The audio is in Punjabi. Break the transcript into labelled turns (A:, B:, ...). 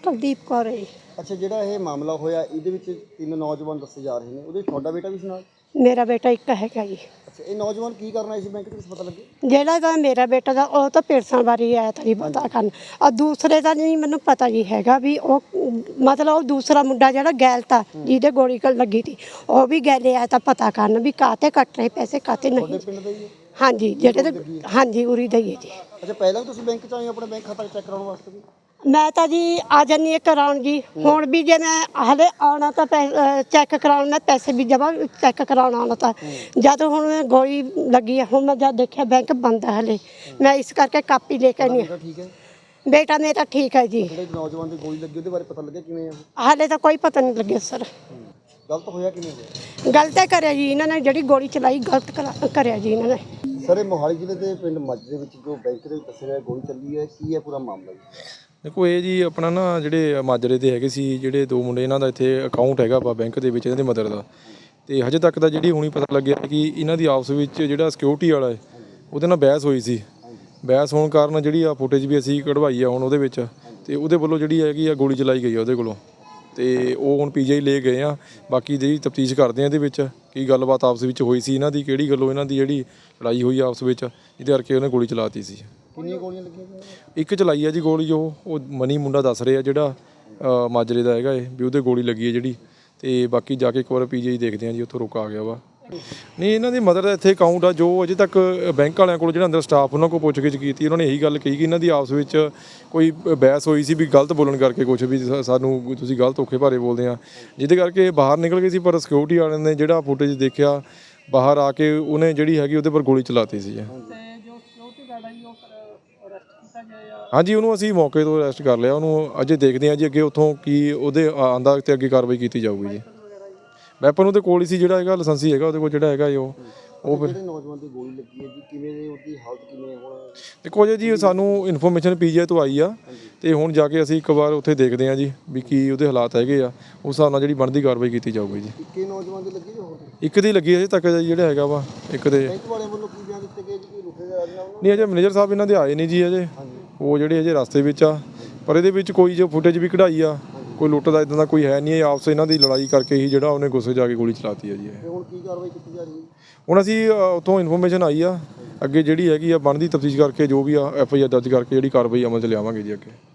A: ਕੁਲਦੀਪ ਕੌਰ ਹੈ।
B: ਅੱਛਾ, ਜਿਹੜਾ ਇਹ ਮਾਮਲਾ ਹੋਇਆ ਇਹਦੇ ਵਿੱਚ 3 ਨੌਜਵਾਨ ਦੱਸੇ ਜਾ ਰਹੇ ਨੇ, ਉਹਦੇ ਵਿੱਚ ਤੁਹਾਡਾ ਬੇਟਾ ਵੀ ਸੀ ਨਾਲ?
A: ਮੇਰਾ ਬੇਟਾ ਇੱਕ ਹੈਗਾ ਜੀ।
B: ਅੱਛਾ, ਇਹ ਨੌਜਵਾਨ ਕੀ ਕਰਨਾ ਇਸ ਬੈਂਕ 'ਚ ਕੁਛ ਪਤਾ ਲੱਗੇ?
A: ਜਿਹੜਾ ਤਾਂ ਮੇਰਾ ਬੇਟਾ ਦਾ ਉਹ ਤਾਂ ਪੇਰਸਾਂ ਬਾਰੇ ਆਇਆ ਤਾਂ ਨਹੀਂ ਪਤਾ ਕਰਨ, ਔਰ ਦੂਸਰੇ ਦਾ ਨਹੀਂ ਮੈਨੂੰ ਪਤਾ ਜੀ ਹੈਗਾ ਵੀ ਉਹ ਮਤਲਬ ਉਹ ਦੂਸਰਾ ਮੁੰਡਾ ਜਿਹੜਾ ਗੈਲ ਤਾ ਜਿਹਦੇ ਗੋਲੀ ਲੱਗੀ ਸੀ ਉਹ ਵੀ ਗੈਲੇ ਆਇਆ ਤਾਂ ਪਤਾ ਕਰਨ ਵੀ ਕਾਹਤੇ ਕੱਟ ਰਹੇ ਪੈਸੇ ਕਾਹਤੇ ਨਹੀਂ।
B: ਤੁਹਾਡੇ ਪਿੰਡ ਦਾ ਹੀ ਹੈ?
A: ਹਾਂਜੀ, ਜਿਹੜੇ ਤੇ ਹਾਂਜੀ ਉਰੀ ਦਾ ਹੀ ਹੈ ਜੀ।
B: ਅੱਛਾ, ਪਹਿਲਾਂ ਵੀ ਤੁਸੀਂ ਬੈਂਕ 'ਚ ਆਏ ਆਪਣਾ ਬੈਂਕ ਖਾਤਾ ਚੈੱਕ ਕਰਾਉਣ ਵਾਸਤੇ ਵੀ?
A: ਮੈਂ ਤਾਂ ਜੀ ਆ ਜਾਂਦੀ ਹਾਂ ਕਰਾਉਣ ਜੀ। ਹੁਣ ਵੀ ਜੇ ਮੈਂ ਹਲੇ ਆਉਣਾ ਤਾਂ ਚੈੱਕ ਕਰਾਉਣ, ਮੈਂ ਪੈਸੇ ਵੀ ਜਮ੍ਹਾਂ ਚੈੱਕ ਕਰਾਉਣ ਆਉਣਾ ਤਾਂ ਜਦ ਹੁਣ ਗੋਲੀ ਲੱਗੀ ਹੈ, ਹੁਣ ਮੈਂ ਜਦ ਦੇਖਿਆ ਬੈਂਕ ਬੰਦ ਹੈ ਹਲੇ, ਮੈਂ ਇਸ ਕਰਕੇ ਕਾਪੀ ਲੈ ਕੇ ਨਹੀਂ।
B: ਠੀਕ ਹੈ,
A: ਬੇਟਾ ਮੇਰਾ ਠੀਕ ਹੈ ਜੀ।
B: ਜਿਹੜੇ ਨੌਜਵਾਨ ਦੀ ਗੋਲੀ ਲੱਗੀ ਉਹਦੇ ਬਾਰੇ ਪਤਾ ਲੱਗਿਆ ਕਿਵੇਂ ਆ?
A: ਹਾਲੇ ਤਾਂ ਕੋਈ ਪਤਾ ਨਹੀਂ ਲੱਗਿਆ ਸਰ।
B: ਗਲਤ ਹੋਇਆ ਕਿਵੇਂ ਹੋਇਆ?
A: ਗਲਤ ਹੈ ਕਰਿਆ ਜੀ ਇਹਨਾਂ ਨੇ, ਜਿਹੜੀ ਗੋਲੀ ਚਲਾਈ ਗਲਤ ਕਰਿਆ ਜੀ ਇਹਨਾਂ ਨੇ।
B: ਸਰ, ਇਹ ਮੋਹਾਲੀ ਜ਼ਿਲ੍ਹੇ ਦੇ ਪਿੰਡ ਮੱਝ ਦੇ ਵਿੱਚ ਜੋ ਬੈਂਕ ਦੇ ਵਿੱਚ ਦੱਸਿਆ ਗਿਆ ਗੋਲੀ ਚੱਲੀ ਹੈ, ਕੀ ਹੈ ਪੂਰਾ ਮਾਮਲਾ ਜੀ?
C: ਦੇਖੋ ਇਹ ਜੀ ਆਪਣਾ ਨਾ ਜਿਹੜੇ ਮਾਜਰੇ ਦੇ ਹੈਗੇ ਸੀ ਜਿਹੜੇ 2 ਮੁੰਡੇ, ਇਹਨਾਂ ਦਾ ਇੱਥੇ ਅਕਾਊਂਟ ਹੈਗਾ ਵਾ ਬੈਂਕ ਦੇ ਵਿੱਚ, ਇਹਨਾਂ ਦੇ ਮਦਰ ਦਾ, ਤੇ ਹਜੇ ਤੱਕ ਤਾਂ ਜਿਹੜੀ ਹੁਣੀ ਪਤਾ ਲੱਗਿਆ ਕਿ ਇਹਨਾਂ ਦੀ ਆਪਸ ਵਿੱਚ ਜਿਹੜਾ ਸਿਕਿਉਰਿਟੀ ਵਾਲਾ ਹੈ ਉਹਦੇ ਨਾਲ ਬਹਿਸ ਹੋਈ ਸੀ। ਬਹਿਸ ਹੋਣ ਕਾਰਨ ਜਿਹੜੀ ਆ ਫੁਟੇਜ ਵੀ ਅਸੀਂ ਕਢਵਾਈ ਆ ਹੁਣ ਉਹਦੇ ਵਿੱਚ, ਤੇ ਉਹਦੇ ਵੱਲੋਂ ਜਿਹੜੀ ਹੈਗੀ ਆ ਗੋਲੀ ਚਲਾਈ ਗਈ ਆ ਉਹਦੇ ਕੋਲੋਂ, ਤੇ ਉਹ ਹੁਣ ਪੀਜੀਆਈ ਲੈ ਗਏ ਆ। ਬਾਕੀ ਜਿਹੜੀ ਤਫਤੀਸ਼ ਕਰਦੇ ਆ ਇਹਦੇ ਵਿੱਚ ਕੀ ਗੱਲਬਾਤ ਆਪਸ ਵਿੱਚ ਹੋਈ ਸੀ ਇਹਨਾਂ ਦੀ, ਕਿਹੜੀ ਗੱਲੋਂ ਇਹਨਾਂ ਦੀ ਜਿਹੜੀ ਲੜਾਈ ਹੋਈ ਆਪਸ ਵਿੱਚ, ਜਿਹਦੇ ਕਰਕੇ ਉਹਨੇ ਗੋਲੀ ਚਲਾਤੀ ਸੀ।
B: ਕਿੰਨੀਆਂ ਗੋਲੀਆਂ ਲੱਗੀਆਂ?
C: ਇੱਕ ਚਲਾਈ ਆ ਜੀ ਗੋਲੀ, ਉਹ ਮਨੀ ਮੁੰਡਾ ਦੱਸ ਰਿਹਾ ਜਿਹੜਾ ਮਾਜਰੇ ਦਾ ਹੈਗਾ ਇਹ, ਵੀ ਉਹਦੇ ਗੋਲੀ ਲੱਗੀ ਹੈ ਜਿਹੜੀ, ਤੇ ਬਾਕੀ ਜਾ ਕੇ ਇੱਕ ਵਾਰ ਪੀਜੀਆਈ ਦੇਖਦੇ ਆ ਜੀ, ਉੱਥੋਂ ਰੁਕ ਆ ਗਿਆ ਵਾ। ਨਹੀਂ, ਇਹਨਾਂ ਦੀ ਮਦਰ ਦਾ ਇੱਥੇ ਅਕਾਊਂਟ ਆ, ਜੋ ਅਜੇ ਤੱਕ ਬੈਂਕ ਵਾਲਿਆਂ ਕੋਲ ਜਿਹੜਾ ਅੰਦਰ ਸਟਾਫ ਉਹਨਾਂ ਕੋਲ ਪੁੱਛਗਿੱਛ ਕੀਤੀ, ਉਹਨਾਂ ਨੇ ਇਹੀ ਗੱਲ ਕਹੀ ਕਿ ਇਹਨਾਂ ਦੀ ਆਪਸ ਵਿੱਚ ਕੋਈ ਬਹਿਸ ਹੋਈ ਸੀ ਵੀ ਗਲਤ ਬੋਲਣ ਕਰਕੇ, ਕੁਛ ਵੀ ਸਾਨੂੰ ਤੁਸੀਂ ਗਲਤ ਔਖੇ ਭਾਰੇ ਬੋਲਦੇ ਆ, ਜਿਹਦੇ ਕਰਕੇ ਬਾਹਰ ਨਿਕਲ ਗਏ ਸੀ। ਪਰ ਸਿਕਿਉਰਿਟੀ ਵਾਲਿਆਂ ਨੇ ਜਿਹੜਾ ਫੁਟੇਜ ਦੇਖਿਆ ਬਾਹਰ ਆ ਕੇ, ਉਹਨੇ ਜਿਹੜੀ ਹੈਗੀ ਉਹਦੇ ਪਰ ਗੋਲੀ ਚਲਾਤੀ ਸੀ। ਹਾਂਜੀ, ਉਹਨੂੰ ਅਸੀਂ ਮੌਕੇ ਤੋਂ ਅਰੈਸਟ ਕਰ ਲਿਆ, ਉਹਨੂੰ ਅਜੇ ਦੇਖਦੇ ਹਾਂ ਜੀ ਅੱਗੇ ਉੱਥੋਂ ਕੀ ਉਹਦੇ ਆਂਦਾ ਤੇ ਅੱਗੇ ਕਾਰਵਾਈ ਕੀਤੀ ਜਾਊਗੀ ਜੀ। ਵੈਪਨ ਉਹਦੇ ਕੋਲ ਹੀ ਸੀ, ਜਿਹੜਾ ਹੈਗਾ ਲਾਇਸੈਂਸੀ ਹੈਗਾ ਉਹਦੇ ਕੋਲ, ਜਿਹੜਾ ਹੈਗਾ ਉਹ ਫਿਰ।
B: ਜਿਹੜੇ ਨੌਜਵਾਨ ਦੀ ਗੋਲੀ ਲੱਗੀ ਹੈ ਜੀ, ਕਿਵੇਂ ਦੀ ਉਹਦੀ ਹਾਲਤ ਕਿਵੇਂ ਹੁਣ?
C: ਦੇਖੋ ਜੀ, ਸਾਨੂੰ ਇਨਫੋਰਮੇਸ਼ਨ ਪੀਜੀਆਈ ਤੋਂ ਆਈ ਆ, ਤੇ ਹੁਣ ਜਾ ਕੇ ਅਸੀਂ ਇੱਕ ਵਾਰ ਉੱਥੇ ਦੇਖਦੇ ਹਾਂ ਜੀ ਵੀ ਕੀ ਉਹਦੇ ਹਾਲਾਤ ਹੈਗੇ ਆ, ਉਸ ਹਿਸਾਬ ਨਾਲ ਜਿਹੜੀ ਬਣਦੀ ਕਾਰਵਾਈ ਕੀਤੀ ਜਾਊਗੀ ਜੀ।
B: ਇੱਕੇ ਨੌਜਵਾਨ ਦੀ ਲੱਗੀ ਹੋਰ?
C: ਇੱਕ ਦੀ ਲੱਗੀ ਅਜੇ ਤੱਕ ਜਿਹੜਾ ਹੈਗਾ ਵਾ ਇੱਕ ਦੇ।
B: ਬੈਂਕ ਵਾਲਿਆਂ ਵੱਲੋਂ ਕੀ ਬਿਆਨ ਦਿੱਤੇ ਗਏ ਜੀ, ਕੋਈ ਰੁਕੇ ਜਾ ਰਿਹਾ?
C: ਨਹੀਂ, ਅਜੇ ਮੈਨੇਜਰ ਸਾਹਿਬ ਇਹਨਾਂ ਦੇ ਆਏ ਨਹੀਂ ਜੀ ਅਜੇ, ਉਹ ਜਿਹੜੇ ਅਜੇ ਰਸਤੇ ਵਿੱਚ ਆ। ਪਰ ਇਹਦੇ ਵਿੱਚ ਕੋਈ ਜੋ ਫੁਟੇਜ ਵੀ ਕਢਾਈ ਆ, ਕੋਈ ਲੁੱਟ ਦਾ ਇਦਾਂ ਦਾ ਕੋਈ ਹੈ ਨਹੀਂ। ਆਪਸ ਇਹਨਾਂ ਦੀ ਲੜਾਈ ਕਰਕੇ ਹੀ ਜਿਹੜਾ ਉਹਨੇ ਗੁੱਸੇ ਜਾ ਕੇ ਗੋਲੀ ਚਲਾਤੀ ਹੈ ਜੀ।
B: ਹੁਣ ਕੀ ਕਾਰਵਾਈ ਕੀਤੀ ਜਾ ਰਹੀ ਹੈ?
C: ਹੁਣ ਅਸੀਂ ਉੱਥੋਂ ਇਨਫੋਰਮੇਸ਼ਨ ਆਈ ਆ, ਅੱਗੇ ਜਿਹੜੀ ਹੈਗੀ ਆ ਬਣਦੀ ਤਫਤੀਸ਼ ਕਰਕੇ ਜੋ ਵੀ ਆ FIR ਦਰਜ ਕਰਕੇ ਜਿਹੜੀ ਕਾਰਵਾਈ ਅਮਲ 'ਚ ਲਿਆਵਾਂਗੇ ਜੀ ਅੱਗੇ।